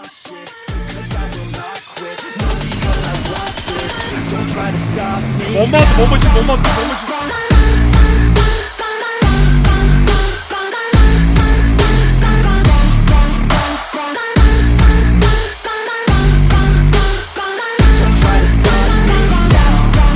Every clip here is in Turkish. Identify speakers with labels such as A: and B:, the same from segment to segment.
A: ambitious, 'cause I will not quit, not because I want this. Don't try to stop me.
B: Bomba attı, bombacı.
A: Don't try to stop me now.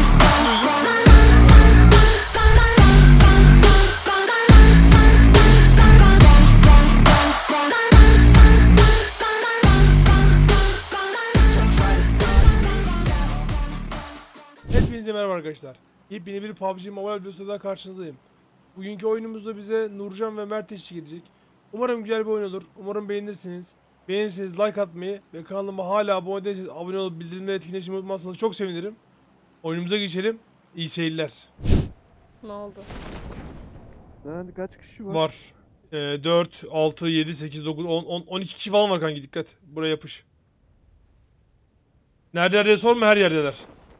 A: Don't try to stop me now.
B: Hepinize merhaba arkadaşlar. Yepyeni bir PUBG Mobile videosuyla karşınızdayım. Bugünkü oyunumuzda bize Nurcan ve Mert eşlik edecek. Umarım güzel bir oyun olur. Umarım beğenirsiniz. Beğenirseniz like atmayı ve kanalıma hala abone değilseniz abone olup bildirimleri etkileşimi unutmazsanız çok sevinirim. Oyunumuza geçelim. İyi seyirler.
C: Ne oldu?
D: Lan kaç kişi var?
B: Var. 4, 6, 7, 8, 9, 10, 12 kişi falan var kanki, dikkat. Buraya yapış. Nerede diye sorma, her yerdeler.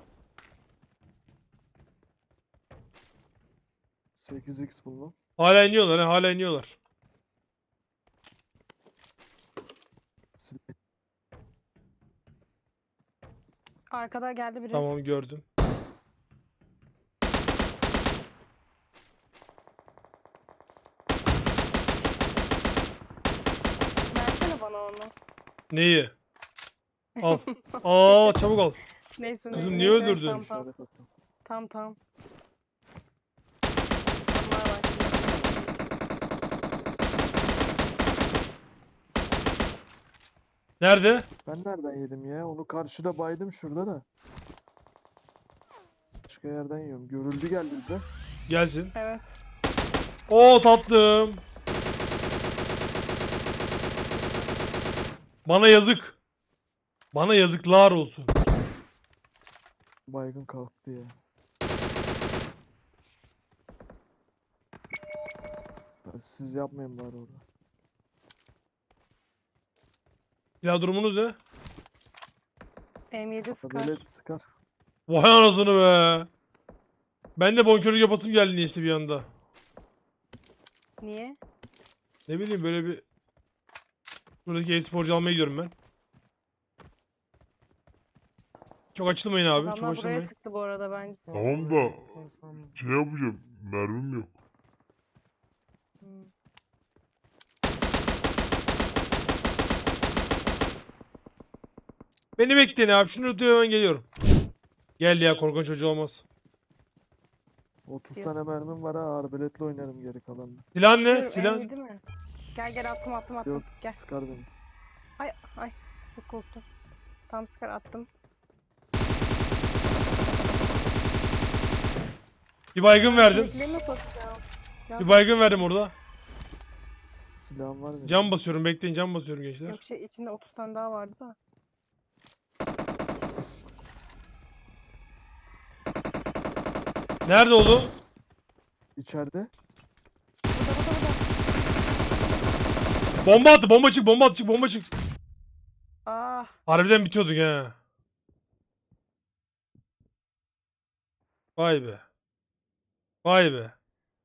D: 8x buldum.
B: Hala iniyorlar ha, hala iniyorlar.
C: Arkada geldi biri.
B: Tamam, gördüm.
C: Versene bana onu.
B: Neyi? Al. Aa, çabuk al.
C: Neyse.
B: Kızım,
C: neyse,
B: niye
C: neyse,
B: öldürdün?
C: Tamam
D: İşaret attım.
C: tamam. Bunlar var.
B: Nerede?
D: Ben nereden yedim ya? Onu karşıda baydım şurada da. Başka yerden yiyorum. Görüldü geldi bize.
B: Gelsin.
C: Evet.
B: Oo, tatlım. Bana yazık. Bana yazıklar olsun.
D: Baygın kalktı ya. Siz yapmayın bari orada.
B: Ya durumunuz ne?
C: M7 Scar.
D: Adalet sıkar.
B: Vay anasını be. Ben de bonkörlük yapasım geldi niyeyse bir anda.
C: Niye?
B: Ne bileyim, böyle bir... Buradaki e-sporcu almaya gidiyorum ben. Çok açılmayın abi, çok
C: Adamlar buraya
B: açılmayın.
C: sıktı bu arada bence.
E: Tamam da şey yapacağım. Mermim yok.
C: Hmm.
B: Beni bekleyin abi, şunu tutuyor, hemen geliyorum. Gel ya, korkunç çocuğu olmaz.
D: 30
C: Yok.
D: tane mermim var ha. Arbeletle oynarım geri kalanını.
B: Silah ne?
C: Dur,
B: Silah...
C: M7 mi? Gel attım.
D: Yok
C: Gel.
D: sıkar beni.
C: Ay çok korktum. Tam Scar attım.
B: Bir baygın verdim.
C: Bekleyin nasıl atacağım?
B: Bir baygın verdim orada.
D: Silahım var benim.
B: Cam basıyorum, bekleyin, cam basıyorum gençler.
C: Yok içinde 30 tane daha vardı da.
B: Nerede oldu?
D: İçeride.
C: Burada.
B: Bomba attı, bomba çık, bomba çık.
C: Ah.
B: Harbiden bitiyorduk he. Vay be. Vay be.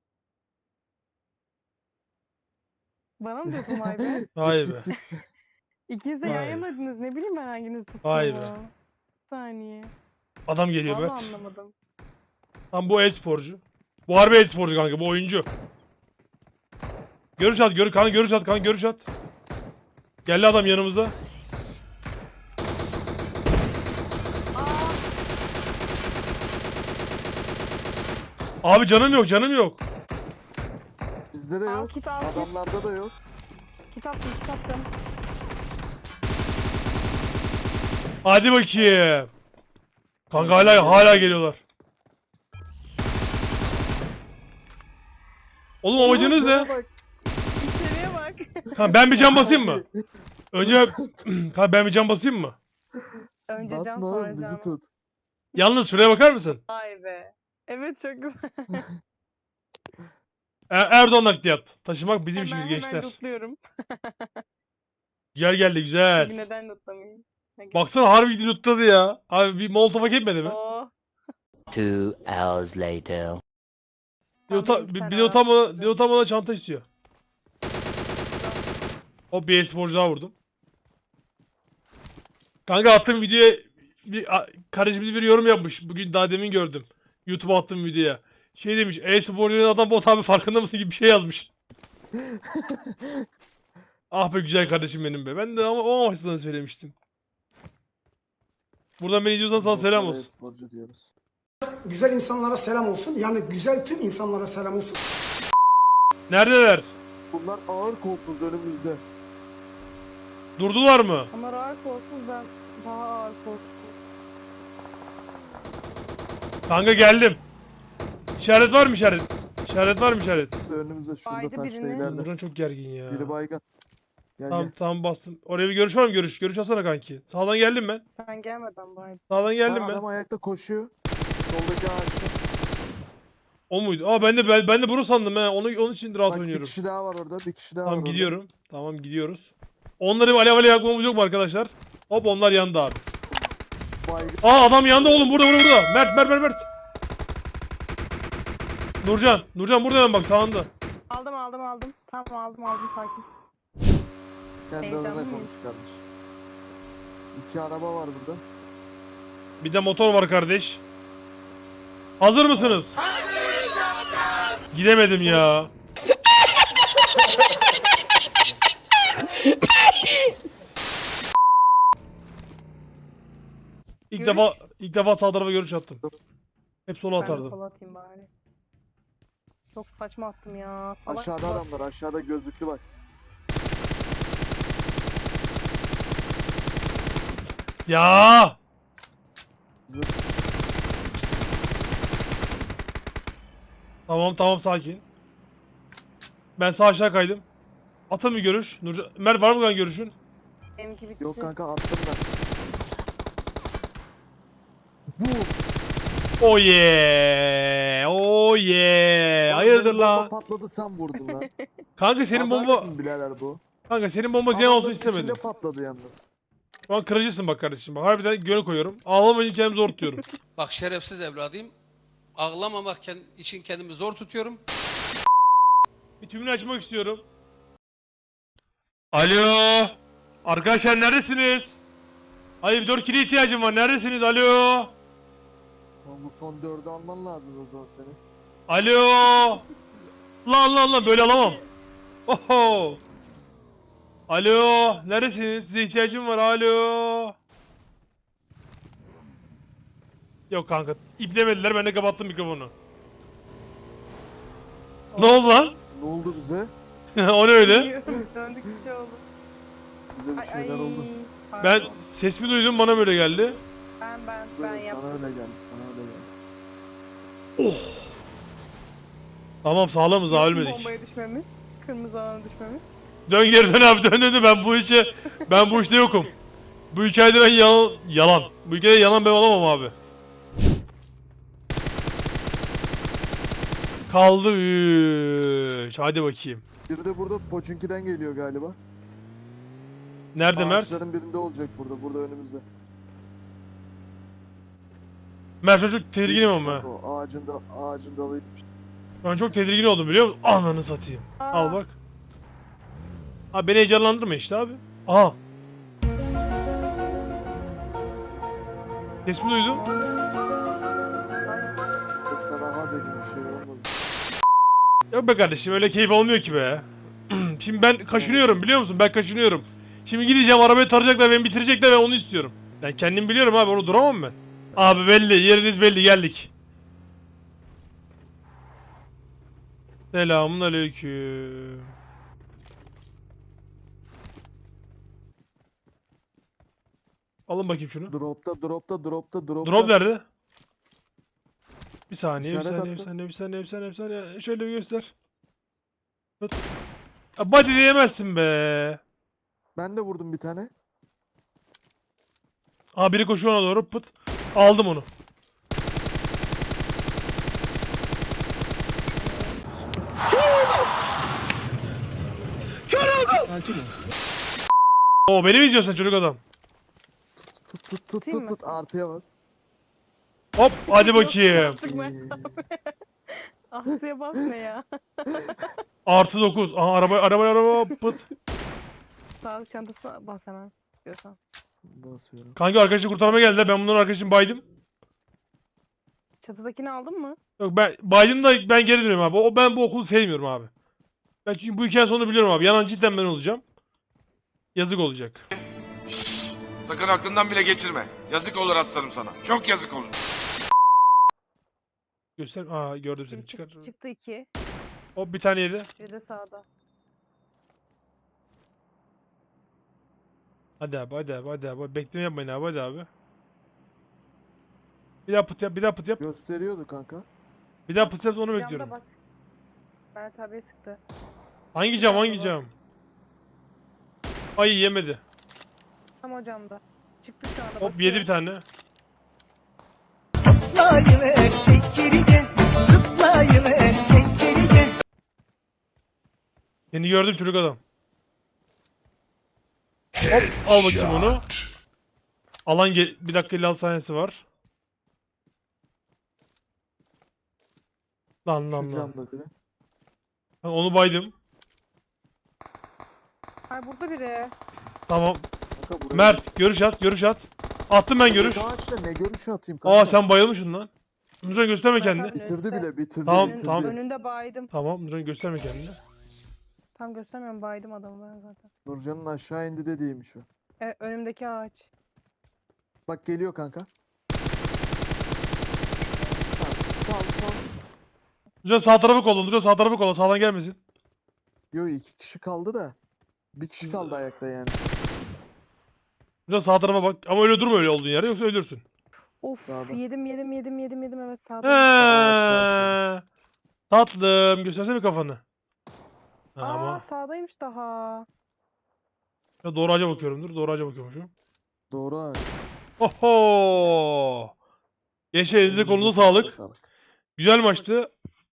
C: Bana mı diyorsun vay be?
B: Vay
D: Git,
B: be.
D: git, git.
C: İkiniz de
B: Vay.
C: yayınladınız. Ne bileyim ben hanginiz tuttu.
B: Vay be.
C: Bir saniye.
B: Adam geliyor
C: Vallahi
B: Mert.
C: anlamadım.
B: Tam bu e-sporcu. Bu harbi e-sporcu kanka, bu oyuncu. Görüş at, görüş at. Geldi adam yanımıza. Abi canım yok.
D: Bizde de
C: Al,
D: yok.
C: kit al, kit.
D: Adamlarda da yok.
C: Kit attım.
B: Hadi bakayım. Kanka hala geliyorlar. Oğlum amacınız ne?
D: Cana bak.
C: İçeriye bak.
B: Ha, ben bir cam basayım mı? Önce ha, ben bir cam basayım mı?
C: Önce can
D: Basma
C: sonra
D: oğlum bizi
C: can.
D: tut.
B: Yalnız şuraya bakar mısın?
C: Vay be. Evet çok güzel.
B: Erdoğan nakliyat. Taşımak bizim işimiz
C: Hemen
B: gençler.
C: lootluyorum.
B: Güzel geldi,
C: Çünkü
B: güzel.
C: neden lootlamayayım? Hadi.
B: Baksana, harbi lootladı ya. Abi bir molotof hak etmedi mi?
C: Oo.
F: 2 hours later.
B: Bir de utanmadan çanta istiyor. O bir e-sporcu daha vurdum. Kanka attığım videoya kardeşimiz bir yorum yapmış. Bugün daha demin gördüm. YouTube'a attığım videoya. Şey demiş. E-spor oynayan adam bot abi farkında mısın gibi bir şey yazmış. Ah be güzel kardeşim benim be. Ben de ama o amaçtan söylemiştim. Buradan beni izliyorsan sana selam olsun.
D: Sporcu diyoruz.
G: Güzel insanlara selam olsun. Yani güzel tüm insanlara selam olsun.
B: Neredeler?
D: Bunlar ağır kolsuz önümüzde.
B: Durdular mı?
C: Onlar ağır kolsuz, ben daha ağır kolsuz.
B: Kanka geldim. İşaret var mı işaret? İşaret var mı işaret?
D: Önümüzde şurada
C: Baydı
D: taşta
C: birini.
D: ileride.
B: Nurcan çok gergin ya.
D: Biri baygın. Gel
B: Tamam
D: gel.
B: tamam bastım. Oraya bir görüş var mı? Görüş. Görüş alsana kanki. Sağdan geldim ben.
C: Sen gelmeden bari.
B: Sağdan geldim
D: Bak,
B: ben.
D: adam ayakta koşuyor. Soldaki ağaçta.
B: O muydu? Aa ben de bunu sandım he. Onun için rahat
D: Bak bir
B: oynuyorum.
D: kişi daha var orada. Bir kişi daha var
B: Tamam
D: orada.
B: gidiyorum. Tamam gidiyoruz. Onları bir alev alev yakmamız yok mu arkadaşlar? Hop onlar yandı abi.
D: Baygın.
B: Aa adam yandı oğlum burada. Mert. Nurcan burada hemen bak sağında.
C: Aldım. Tamam aldım sakin.
D: Kendi
C: Heyecanlı
D: adına
C: mıyım?
D: konuş kardeşim. 2 araba var burada.
B: Bir de motor var kardeş. Hazır mısınız? Gidemedim ya. İlk defa sağ tarafa görüş attım. Hep sola
C: Ben de
B: atardım.
C: sola atayım bari. Çok saçma attım ya. Salak
D: Aşağıda
C: salak.
D: adamlar. Aşağıda gözlüklü bak.
B: Ya! Tamam sakin. Ben sağ aşağı kaydım. Atın bir görüş. Nurcan, Mert var mı lan görüşün?
C: Benimki bitti.
D: Yok kanka attım ben. Bu.
B: Oh yeah. Hayırdır
D: Benim
B: la?
D: bomba patladı sen vurdun lan.
B: Kanka senin bomba
D: Adalet mi birader bu?
B: Kanka senin bomba ziyan olsun
D: Adamların
B: istemedim.
D: içinde patladı yalnız.
B: Şu an kırıcısın bak kardeşim. Bak harbiden göğe koyuyorum. Ağlamayınca kendimi zor tutuyorum.
H: Bak şerefsiz evladıyım. Ağlamamak için kendimi zor tutuyorum.
B: Bir tümünü açmak istiyorum. Alo. Arkadaşlar neredesiniz? Hayır 4 kilo ihtiyacım var. Neredesiniz? Alo.
D: Lan bu son 4'ü alman lazım o zaman seni.
B: Alo. Lan böyle alamam. Oho. Alo. Neredesiniz? Size ihtiyacım var. Alo. Yok kanka. İplemediler. Ben de kapattım mikrofonu. Ne oldu lan?
D: Ne oldu bize?
B: O ne öyle?
C: Bilmiyorum, döndük bir şey oldu.
D: Bize bir şeyler oldu.
B: Ben
C: Pardon.
B: ses mi duydum bana böyle geldi.
C: Ben
D: Böyle
C: yaptım.
D: sana öyle geldi. Sana öyle geldi.
B: Tamam sağlamız daha ölmedik.
C: Bombaya düşmemiz. Kırmızı alana düşmemiz.
B: Dön geri dön abi dön ben bu işte yokum. Bu hikayede ben yalan. Bu hikayede yalan ben olamam abi. Kaldı 3. Hadi bakayım.
D: Biri de burada Poçinki'den geliyor galiba.
B: Nerede Mert?
D: Ağaçların birinde olacak burada. Burada önümüzde.
B: Mert çocuk tedirginim
D: Değilmiş
B: ama.
D: kanka o. Ağacın dalıymış.
B: Ben çok tedirgin oldum biliyor musun? Ananı satayım. Al bak. Abi beni heyecanlandırma işte abi. Aha. Ses mi duydum?
D: Yok sana ha dedim bir şey olmadı.
B: Yok be kardeşim öyle keyif olmuyor ki be. Şimdi ben kaşınıyorum biliyor musun? Ben kaşınıyorum. Şimdi gideceğim arabayı tarayacaklar beni bitirecekler ben onu istiyorum. Ben kendim biliyorum abi onu duramam ben. Abi belli yeriniz belli geldik. Selamun aleyküm. Alın bakayım şunu.
D: Dropta.
B: Drop nerede? Bir saniye,
D: İşaret
B: bir
D: attı.
B: saniye. Şöyle bir göster. Tut. Ya body diyemezsin be.
D: Ben de vurdum bir tane.
B: Aa biri koşuyor ona doğru pıt. Aldım onu. Oo beni mi izliyorsun çocuk adam?
C: Tutayım mı?
D: Tut artıya bas.
B: Hop hadi bakayım.
C: Artık ben Aslı'ya bas ne ya?
B: Artı 9. Aha araba pıt.
C: Sağlık çantasına bas hemen istiyorsan.
D: Basıyorum.
B: Kanka arkadaşı kurtarmaya geldiler. Ben bunların arkadaşını baydım.
C: Çatıdakini aldın mı?
B: Yok ben baydım da ben geri dönüyorum abi. Ben bu okulu sevmiyorum abi. Ben çünkü bu hikayenin sonunu biliyorum abi. Yanan cidden ben olacağım. Yazık olacak.
I: Sakın aklından bile geçirme. Yazık olur aslanım sana. Çok yazık olur.
B: Göster. Aa gördüm seni.
C: Biri
B: Çıkar.
C: çıktı 2.
B: Hop bir tane yedi.
C: Biri de sağda.
B: Hadi abi hadi abi hadi abi. Bekleme yapmayın abi hadi abi. Bir daha pıt yap bir daha pıt yap.
D: Gösteriyordu kanka.
B: Bir daha pıt yap onu
C: Camda
B: bekliyorum.
C: bak. Mert abiye sıktı.
B: Hangi cam hangi cam? Ay yemedi.
C: Tam o camda. Çıktı şu anda.
B: Hop
C: bakıyor.
B: yedi bir tane. Seni gördüm çocuk adam. Hop al bakayım onu. Alan bir dakika 56 saniyesi var. Lan
D: Şu
B: lan lan.
D: camda biri.
B: Ha, onu baydım.
C: Ay burada biri.
B: Tamam.
D: Kanka buraya
B: Mert görüş at görüş at. Attım ben görüş.
D: Ağaçta ne görüşü atayım kanka?
B: Aa sen bayılmışsın lan. Nurcan gösterme
C: Mert
B: kendini.
C: abi
D: Bitirdi
C: önünde.
D: bile bitirdi
B: Tamam,
D: bitirdi.
B: tamam.
C: Önünde baydım.
B: Tamam Nurcan gösterme kendini.
C: Tam göstermiyorum, baydım adamı ben zaten.
D: Nurcan'ın aşağı indi dediğiymiş o.
C: Önümdeki ağaç.
D: Bak geliyor kanka. Sal.
B: Nurcan sağ tarafı kolla. Nurcan sağ tarafı kolla. Sağdan gelmesin.
D: Yo 2 kişi kaldı da. Bir kişi kaldı ayakta yani.
B: Nurcan sağ tarafa bak. Ama öyle durma öyle olduğun yere yoksa ölürsün.
C: Of
D: Sağda.
C: yedim evet sağda.
B: He. Tatlım göstersene kafanı. Ha,
C: Aa
B: ama
C: sağdaymış daha.
B: ya doğru ağaca bakıyorum dur. Doğru ağaca bakıyormuşum.
D: Doğru ağaç.
B: Oho. Gençler elinize kolunuza sağlık. Güzel maçtı.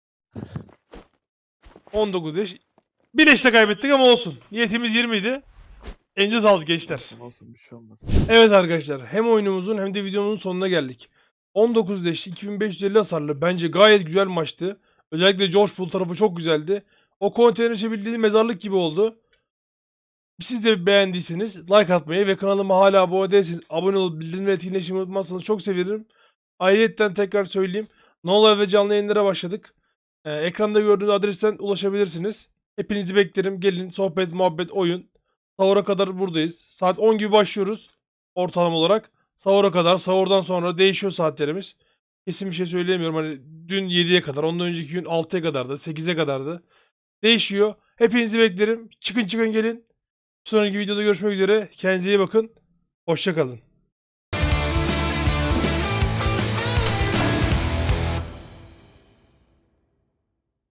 B: 19 yaş. Bir eşte kaybettik ama olsun. Niyetimiz 20 idi. Elinize sağlık gençler.
D: Olsun bir şey olmaz.
B: Evet arkadaşlar hem oyunumuzun hem de videomuzun sonuna geldik. 19 leş 2550 hasarlı bence gayet güzel maçtı. Özellikle George Pool tarafı çok güzeldi. O konteyner içebildiği mezarlık gibi oldu. Siz de beğendiyseniz like atmayı ve kanalıma hala abone değilseniz abone olup bildirimleri etkileşimi unutmazsanız çok sevinirim. Ayrıca tekrar söyleyeyim. No Live ve canlı yayınlara başladık. Ekranda gördüğünüz adresten ulaşabilirsiniz. Hepinizi beklerim. Gelin sohbet, muhabbet, oyun. Sahura kadar buradayız. Saat 10 gibi başlıyoruz. Ortalama olarak. Sahura kadar. Sahurdan sonra değişiyor saatlerimiz. Kesin bir şey söyleyemiyorum. Hani dün 7'ye kadar. Ondan önceki gün 6'ya kadardı. 8'e kadardı. Değişiyor. Hepinizi beklerim. Çıkın gelin. Bir sonraki videoda görüşmek üzere. Kendinize iyi bakın. Hoşça kalın.